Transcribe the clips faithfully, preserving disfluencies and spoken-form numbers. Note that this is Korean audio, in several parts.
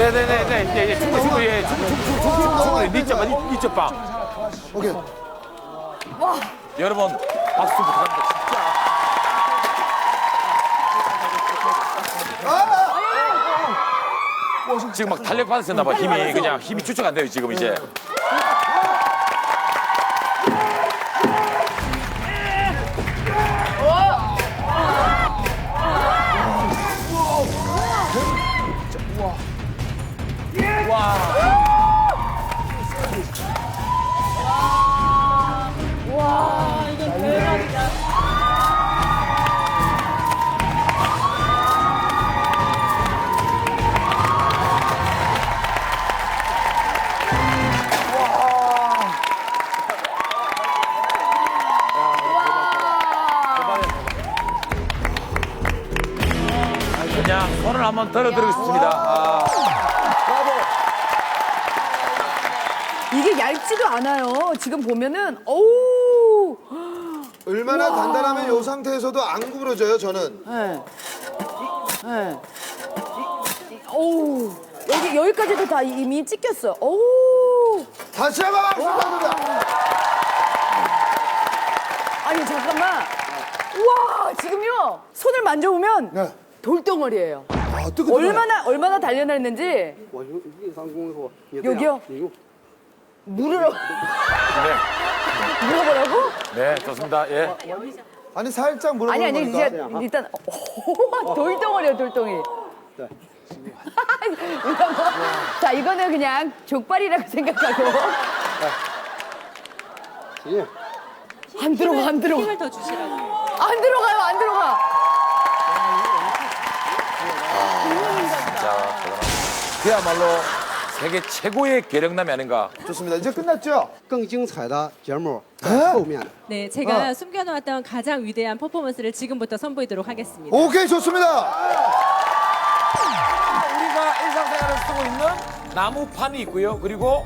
네네네, 네, 예, 충분히, 충분히, 예, 충분히, 충분히, 충분히, 충분히, 니점, 이점 빵. 오케이. 와. 여러분, 박수 부탁합니다, 진짜. 지금 막 탄력 받으셨나 봐, 힘이. 그냥 힘이 추측 안 돼요, 지금 이제. 와, 이건 대박이다. 그냥 손을 한번 들어드리겠습니다. 아. 이게 얇지도 않아요. 지금 보면은 어우. 얼마나 단단하면 이 상태에서도 안 구부러져요, 저는. 네. 네. 어우. 여기 여기까지도 다 이미 찢겼어. 어우. 다시 한번 축하드립니다. 아니 잠깐만. 우와 지금요 손을 만져보면 네. 돌덩어리예요. 아, 뜨거워. 얼마나 얼마나 단련했는지. 我用硬伤功夫，你这 여기요 样，你用 물을 네, 물어보라고? 네, 좋습니다. 예. 아니, 살짝 물어보는 아니 아니 거니까. 이제 일단 오, 돌덩어리야 돌덩이. 네. 이거 뭐, 자 이거는 그냥 족발이라고 생각하고 行， 안 들어가 안 들어가 힘을 더 주시라고. 안 들어가요 안 들어가. 자, 그야말로 세계 최고의 계력남이 아닌가. 좋습니다. 이제 끝났죠? 更精彩的节目在 에? 后面。 네, 제가 어. 숨겨놓았던 가장 위대한 퍼포먼스를 지금부터 선보이도록 하겠습니다. 오케이, 좋습니다. 우리가 일상생활에 쓰고 있는 나무판이 있고요. 그리고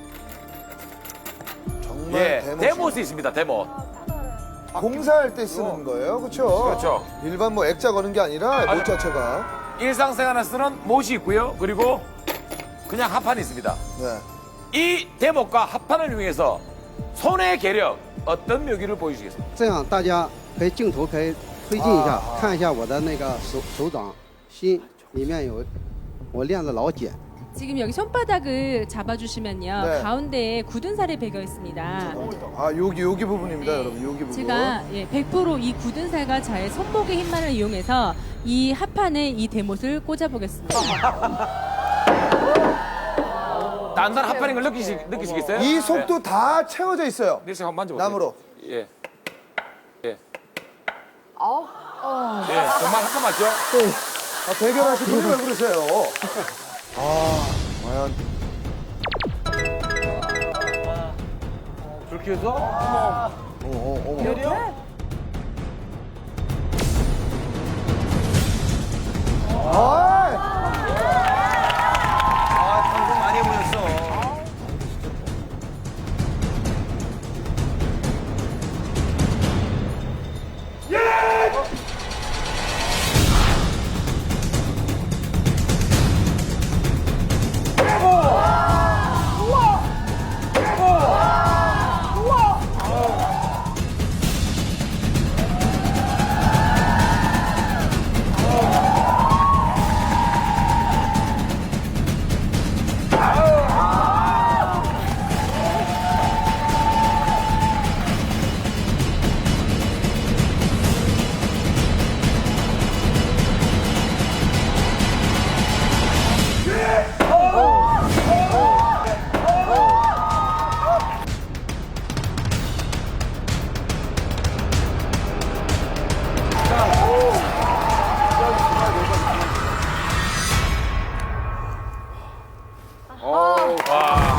정말 예, 대모. 데모스 있습니다. 데모. 공사할 때 쓰는 거예요, 그렇죠? 그렇죠. 일반 뭐 액자 거는 게 아니라 못 자체가. 일상생활에 쓰는 못이 있고요. 그리고 그냥 합판이 있습니다. 네. 이 대목과 합판을 이용해서 손의 계력 어떤 묘기를 보여주시겠습니까? 这样大家可以镜头可以推进一下，看一下我的那个手手掌心里面有我练的老茧。 지금 여기 손바닥을 잡아주시면요. 네. 가운데에 굳은 살이 배겨 있습니다. 아, 여기, 여기 부분입니다, 여러분. 여기 부분. 제가 예, 백 퍼센트 이 굳은 살과 저의 손목의 힘만을 이용해서 이 합판에 이 대못을 꽂아보겠습니다. 단단한 합판인 걸 느끼시, 느끼시겠어요? 이 속도 다 채워져 있어요. 네, 한번 만져보세요. 나무로. 예. 예. 어? 예, 정말 합판 맞죠? 아, 대결하실 분이 왜 그러세요? 아, 과연. 그렇게 해서 어머, 어머. 이렇게? 아, 아, 방송 많이 해보셨어. 와.